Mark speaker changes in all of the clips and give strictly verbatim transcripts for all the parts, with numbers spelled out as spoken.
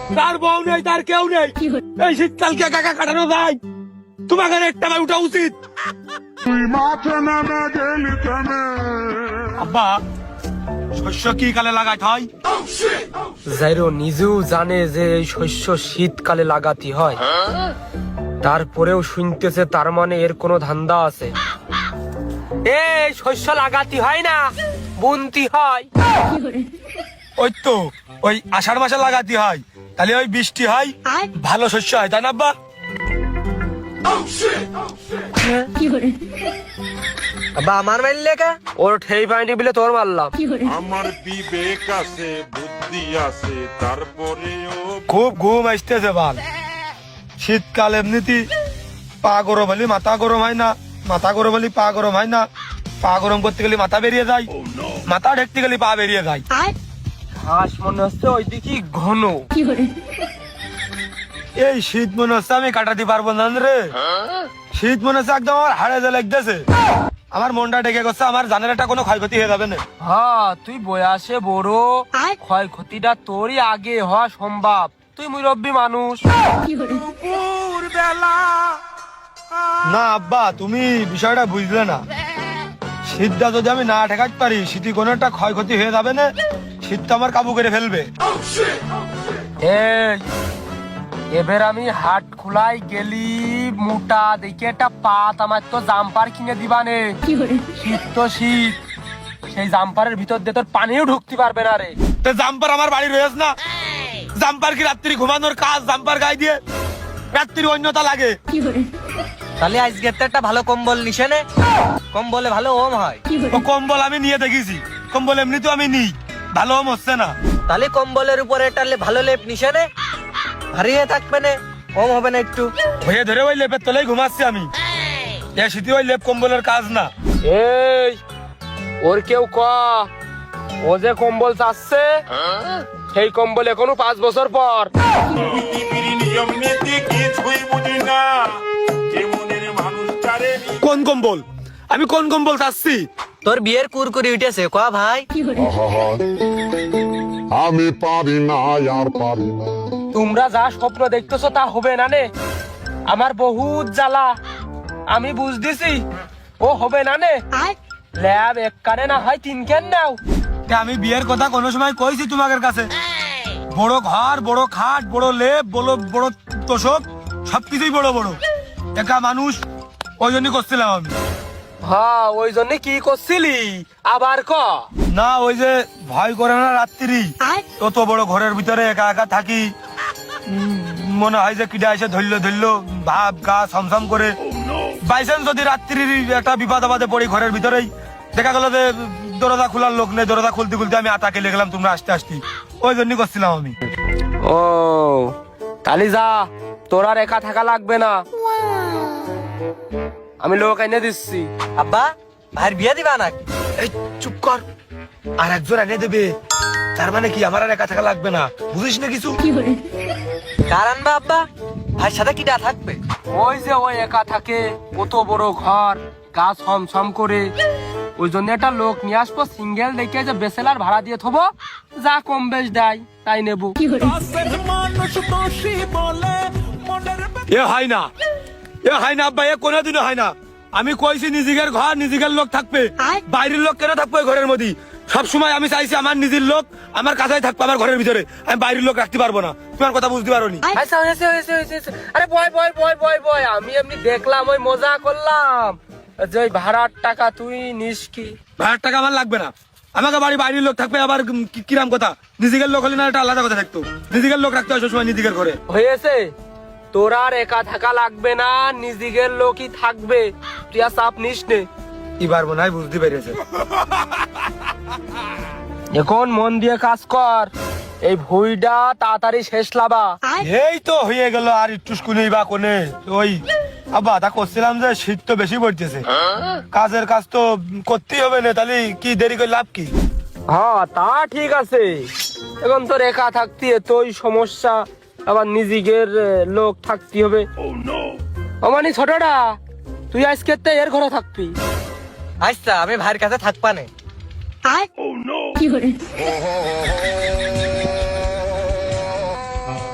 Speaker 1: তার বউ নেই, তার কেউ নেই, এই শীতকালকে একা একা কাটানো যায়? তোমাকে একটা বার উঠা উচিত। আব্বা, শস্য কি কালে লাগাতে হয়?
Speaker 2: জাইরো নিজেও জানে যে এই শস্য শীতকালে লাগাতে হয়, তারপরেও শুনতেছে তার মানে এর কোনো ধান্দা আছে। এই শস্য লাগাতে হয় না, বুনতি হয়।
Speaker 1: ওই তো ওই আষাঢ় মাসে লাগাতে হয়, তাহলে ওই বৃষ্টি হয়, ভালো শস্য হয়, তাই না আব্বা?
Speaker 2: আব্বা আমার মারলে কে? ওর ঠেই পাইনি বলে তোর মারলাম।
Speaker 3: আমার বিবেক আছে, বুদ্ধি আছে, তারপরেও
Speaker 1: খুব ঘুম আসতেছে বাল। শীতকাল এমনিতে পা গরম হলে মাথা গরম হয় না, মাথা গরম হলে পা গরম হয় না, পা গরম করতে গেলে মাথা বেরিয়ে যায়, মাথা ঢেকতে গেলে পা বেরিয়ে যায়।
Speaker 2: ঘাস মনে হচ্ছে ওই দিকে ঘন।
Speaker 1: এই শীত মনে হচ্ছে আমি কাটাতে পারবো না রে। শীত মনে হচ্ছে একদম আমার হাড়ে যে লাগতেছে, আমার মনটা ডেকে গেছে, আমার জানের একটা কোনো ক্ষয়ক্ষতি হয়ে যাবে না।
Speaker 2: হ্যাঁ তুই বয়সে বড়, ক্ষয়ক্ষতিটা তোরই আগে হওয়া সম্ভব, তুই মুরব্বী মানুষ।
Speaker 1: না আব্বা, তুমি বিষয়টা বুঝলে না। শীতটা যদি আমি না ঠেকাতে পারি, শীতে কোনো একটা ক্ষয়ক্ষতি হয়ে যাবে না, শীতটা আমার কাবু করে ফেলবে।
Speaker 2: এই এবার আমি হাট খোলাই গেলি মোটা দেখে একটা পাত আমার তো জাম্পার কিনে দিবানে। শীত তো শীত, সেই জাম্পারের ভিতর দিয়ে তোর পানিও ঢুকতে পারবে না রে।
Speaker 1: তো জাম্পার আমার বাড়ি রয়েছে না, জাম্পার কি রাত্রি ঘুমানোর কাজ? জাম্পার গায়ে দিয়ে রাত্রির অন্যতা লাগে।
Speaker 4: তাহলে আজকে তো একটা ভালো কম্বল নিছে নে, কম্বলে ভালো ওম হয়।
Speaker 1: ও কম্বল আমি নিয়ে দেখেছি, কম্বল এমনি তো আমি নিই, ভালো হচ্ছে না।
Speaker 4: তাহলে কম্বলের উপরে একটা লে- ভালো লেপ নিছে নে, ভারী হয়ে থাকবে না, ওম হবে না একটু।
Speaker 1: হয়ে ধরে ওই লেপের তলেই ঘুমাচ্ছি আমি। এ শীতে ওই লেপ কম্বলের কাজ না।
Speaker 2: এই ওর কেউ ক, ও যে কম্বল চাচ্ছে সেই কম্বল এখনো পাঁচ বছর পর।
Speaker 3: পৃথিবীর নিয়ম নীতি কিছুই বুঝি না, যেমনের মানুষটারে
Speaker 1: কোন কম্বল? আমি কোন কম্বল চাচ্ছি?
Speaker 4: তোর বিয়ের কুরকুরি উঠেছে ক ভাই।
Speaker 5: আমি পারি না আর পারি না।
Speaker 2: তোমরা যা স্বপ্ন দেখতেছো তা হবে না নে, আমার বহুত জ্বালা, আমি বুঝতেছি ও হবে না নে। ল্যাব এক কানে না হয় তিন কেন নাও।
Speaker 1: এ আমি বিয়ের কথা কোনো সময় কইছি তোমাদের কাছে? বড় ঘর, বড় খাট, বড় লেপ, বড় বড় তোষক, সবকিছুই বড় বড়। একা মানুষ, ওই জন্যই করছিলাম আমি।
Speaker 2: হ্যাঁ ওই জন্য কি করছিলি আবার ক।
Speaker 1: না ওই যে ভয় করে না রাত্রি, তত বড় ঘরের ভিতরে একা একা থাকি, উম, মনে হয় যে কিডা এসে ধরলো ধরলো ভাব গা ছমছম করে। বাইচান্স যদি রাত্রির একটা বিপদ আপদে পড়ি ঘরের ভিতরেই, দেখা গেল যে দরজা খোলার লোক নেই, দরজা খুলতে খুলতে আমি আতা কেলে গেলাম, তোমরা আসতে আসতে, ওই জন্যই করছিলাম আমি।
Speaker 2: ও তাহলে যা, তোর আর একা থাকা লাগবে না, আমি লোক এনে দিচ্ছি।
Speaker 4: আব্বা ভাইয়ের বিয়ে দিবা নাকি?
Speaker 1: এই চুপ কর, আর একজন এনে দেবে, তার মানে কি আমার আর একা থাকা লাগবে না, বুঝিস না কিছু?
Speaker 4: কার আনবা আব্বা? ভাইয়ের সাথে কিটা থাকবে?
Speaker 2: ওই যে ওই একা থাকে, কত বড় ঘর, গা ছম ছম করে, ওই জন্য একটা লোক নিয়ে আসবো, সিঙ্গেল দেখে যে বেসেলার ভাড়া দিয়ে থবো, যা কম বেশ দেয় তাই নেবো।
Speaker 1: এ হয় না, এ হয় না আব্বা, এ কোনোদিনও হয় না। আমি কইছি নিজের ঘর, নিজের লোক থাকবে, বাইরের লোক কেন থাকবে ঘরের মধ্যে? সব সময় আমি চাইছি আমার নিজের লোক আমার কাছেই থাকবে, আমার ঘরের ভিতরে, আমি বাইরের লোক রাখতে পারবো না। তোমার কথা বুঝতে পারো নি?
Speaker 2: আচ্ছা, হয়েছে, হয়েছে, হয়েছে, হয়েছে। আরে বয় বয় বয় বয় বয়, আমি এমনি দেখলাম, ওই মজা করলাম যে ওই ভাড়ার টাকা তুই নিস কি?
Speaker 1: ভাড়ার টাকা আমার লাগবে না, আমাকে বাড়ি বাইরের লোক থাকবে, আবার কি- কিরাম কথা? নিজের লোক হলে না একটা আলাদা কথা থাকতো, নিজের লোক রাখতে হয় সবসময় নিজের ঘরে।
Speaker 2: হয়েছে, তোর আর একা থাকা লাগবে না, নিজের লোকই থাকবে, তুই আর চাপ নিস নে।
Speaker 1: কি পারবো না, বুঝতে পেরেছে।
Speaker 2: এখন মন দিয়ে কাজ কর, এই ভুইটা তাড়াতাড়ি শেষ লাবা।
Speaker 1: এই তো হয়ে গেল, আর একটু স্কুলেই বা কোনে ওই আব্বা তা করছিলাম যে শীত তো বেশি পড়তেছে, কাজের কাজ তো করতেই হবে না, তাহলে কি দেরি করে লাভ কি?
Speaker 2: হ্যাঁ তা ঠিক আছে, এখন তোর একা থাকতে এতই সমস্যা, আবার নিজের লোক থাকতে হবে। অমানি ছোটটা, তুই আজকে তো এর ঘরে থাকবি।
Speaker 4: আচ্ছা আমি ভাইয়ের কাছে থাকবা নে।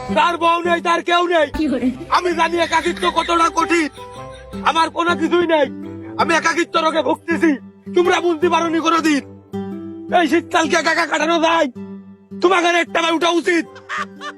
Speaker 1: তার বউ নেই, তার কেউ নেই। আমি জানি একাকিত্ব কতটা কঠিন। আমার কোনো কিছুই নেই, আমি একাকিত্ব রোগে ভুগতেছি। তোমরা বুঝতে পারোনি কোনোদিন এই শীতকালকে একা একা কাটানো যায়? তোমাকে একটা উঠা উচিত।